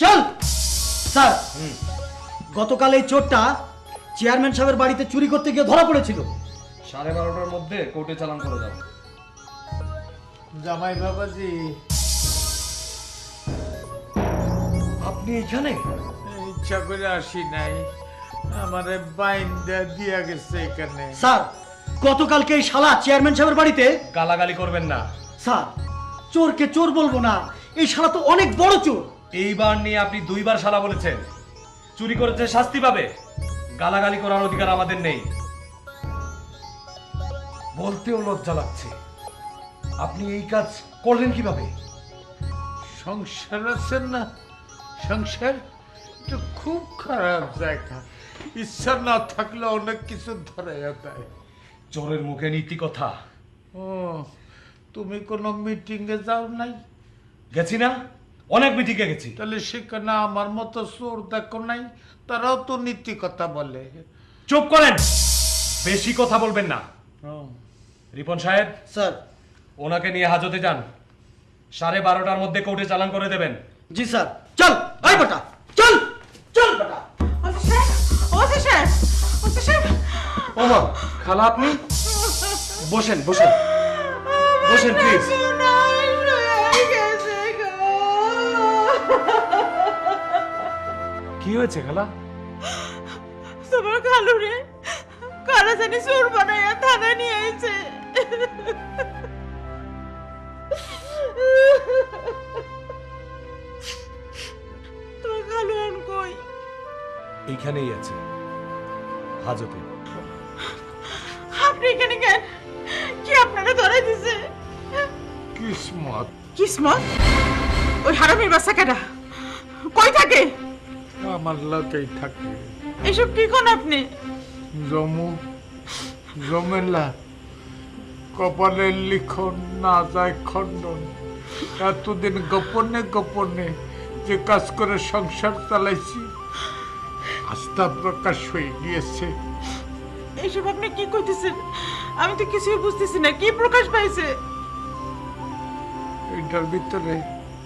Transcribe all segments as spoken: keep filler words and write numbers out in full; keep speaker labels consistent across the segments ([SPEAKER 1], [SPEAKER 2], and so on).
[SPEAKER 1] চল স্যার, গতকাল এই চোরটা চেয়ারম্যান সাহেবের বাড়িতে চুরি করতে গিয়ে ধরা পড়েছিল।
[SPEAKER 2] সাড়ে বারোটার মধ্যে কোর্টে চালান করে দাও।
[SPEAKER 3] জামাই বাবাজি,
[SPEAKER 2] আপনি এখানে?
[SPEAKER 3] ইচ্ছা করে আসি নাই, আমারে বাইন্দা দিয়া গেছে এখানে।
[SPEAKER 1] স্যার, গতকালকে এই শালা চেয়ারম্যান সাহেবের বাড়িতে।
[SPEAKER 2] গালাগালি করবেন না
[SPEAKER 1] স্যার, চোরকে চোর বলবো না, এই শালা তো অনেক বড় চোর।
[SPEAKER 2] এইবার নিয়ে আপনি দুইবার শালা বলেছেন। চুরি করেছে শাস্তি পাবে, গালাগালি করার অধিকার আমাদের নেই। বলতেও লজ্জা লাগছে, আপনি এই কাজ করলেন কিভাবে?
[SPEAKER 3] সংসার আছেন না, সংসার এটা খুব খারাপ জায়গা, ইচ্ছা না থাকলে অনেক কিছু ধরে দেয়।
[SPEAKER 2] চোরের মুখে নীতি কথা।
[SPEAKER 3] ও, তুমি কোনো মিটিং এ যাও নাই?
[SPEAKER 2] গেছি না, অনেক মিটিংয়ে গেছি।
[SPEAKER 3] তাহলে সেখানে আমার মতো চোর দেখো নাই? তারাও তো নীতি কথা বলে।
[SPEAKER 2] চুপ করেন, বেশি কথা বলবেন না।
[SPEAKER 3] ও,
[SPEAKER 2] রিপন সাহেব,
[SPEAKER 1] স্যার।
[SPEAKER 2] ওনাকে নিয়ে হাজতে যান, সাড়ে বারোটার মধ্যে কোর্টে চালান করে দেবেন।
[SPEAKER 1] জি স্যার। চল ভাই বেটা, চল চল বেটা।
[SPEAKER 2] ওমা, খালা আপনি বসেন বসেন বসেন প্লিজ। কি হয়েছে খালা?
[SPEAKER 4] তোমার খালু রে কারা জানি চোর বানাইয়া থানায় নিয়ে আইছে। তোমার খালু এখন কই?
[SPEAKER 2] এইখানেই আছে, হাজতে।
[SPEAKER 4] আপনি এখানে কেন? কি আপনারা ধরাই দিছে?
[SPEAKER 3] কিসমত।
[SPEAKER 4] কিসমত? ওই হারামির বাচ্চা কেডা? কই থাকে?
[SPEAKER 3] আমার লোকেই থাকে।
[SPEAKER 4] এসব কি কোন আপনি?
[SPEAKER 3] জমু জমেলা, কপালের লিখন না যায় খণ্ডন। এতদিন গোপনে গোপনে যে কাজ করে সংসার চালাইছি, আস্থা প্রকাশ হয়ে গিয়েছে।
[SPEAKER 4] এসব আপনি কি কইতেছেন? আমি তো কিছুই বুঝতেছি না, কি প্রকাশ পাইছে?
[SPEAKER 3] এটার ভিতরে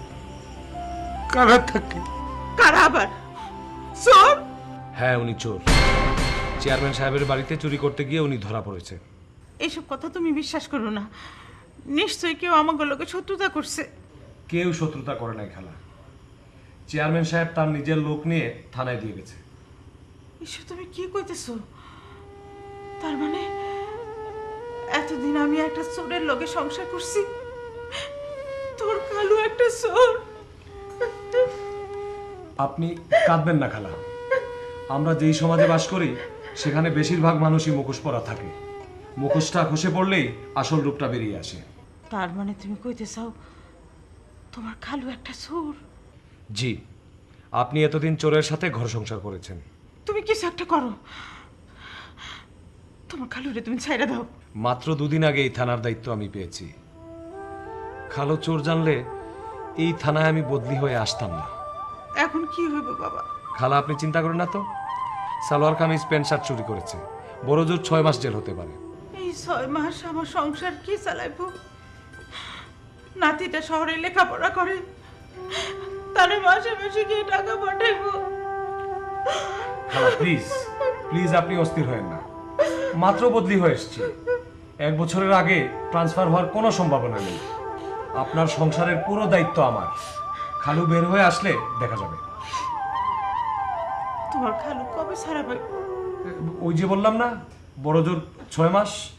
[SPEAKER 3] কারা থাকে?
[SPEAKER 4] কারা আবার? চোর?
[SPEAKER 2] হ্যাঁ, উনি চোর। চেয়ারম্যান সাহেবের বাড়িতে চুরি করতে গিয়ে উনি ধরা পড়েছে।
[SPEAKER 4] এইসব কথা তুমি বিশ্বাস করো না, নিশ্চয়ই কেউ আমাকে লোকে শত্রুতা করছে।
[SPEAKER 2] কেউ শত্রুতা করে নাই খালা, চেয়ারম্যান সাহেব তার নিজের লোক নিয়ে থানায় দিয়ে গেছে।
[SPEAKER 4] এসব তুমি কি কইতেছো? তার মানে এতদিন আমি একটা চোরের লগে সংসার করছি, তোর কালু একটা চোর।
[SPEAKER 2] আপনি কাঁদবেন না খালা, আমরা যেই সমাজে বাস করি সেখানে বেশিরভাগ মানুষই মুখোশ পরা থাকে। মুখোশটা খসে পড়লেই আসল রূপটা বেরিয়ে আসে।
[SPEAKER 4] তার মানে তুমি কইতে চাও তোমার খালু একটা চোর?
[SPEAKER 2] জি, আপনি এতদিন চোরের সাথে ঘর সংসার করেছেন।
[SPEAKER 4] তুমি কিছু একটা করো, তোমার খালুরে তুমি ছাইড়া দাও।
[SPEAKER 2] মাত্র দুদিন আগে এই থানার দায়িত্ব আমি পেয়েছি। খালো চোর জানলে এই থানায় আমি বদলি হয়ে আসতাম না।
[SPEAKER 4] এখন কি হইব বাবা?
[SPEAKER 2] খালা আপনি চিন্তা করেন না তো, সালোয়ার কামিজ প্যান্ট শার্ট চুরি করেছে, বড় জোর ছয় মাস জেল হতে পারে।
[SPEAKER 4] এই ছয় মাস আমার সংসার কি চালাইব? নাতিটা শহরে লেখাপড়া করে, তারে মাসে মাসে গিয়ে টাকা পাঠাইব।
[SPEAKER 2] খালা প্লিজ প্লিজ আপনি অস্থির হয়েন না, মাত্র বদলি হয়ে এসেছি। এক বছরের আগে ট্রান্সফার হওয়ার কোনো সম্ভাবনা নেই। আপনার সংসারের পুরো দায়িত্ব আমার। খালু বের হয়ে আসলে দেখা যাবে।
[SPEAKER 4] তোমার খালু কবে ছাড়া পাইব?
[SPEAKER 2] ওই যে বললাম না, বড় জোর ছয় মাস।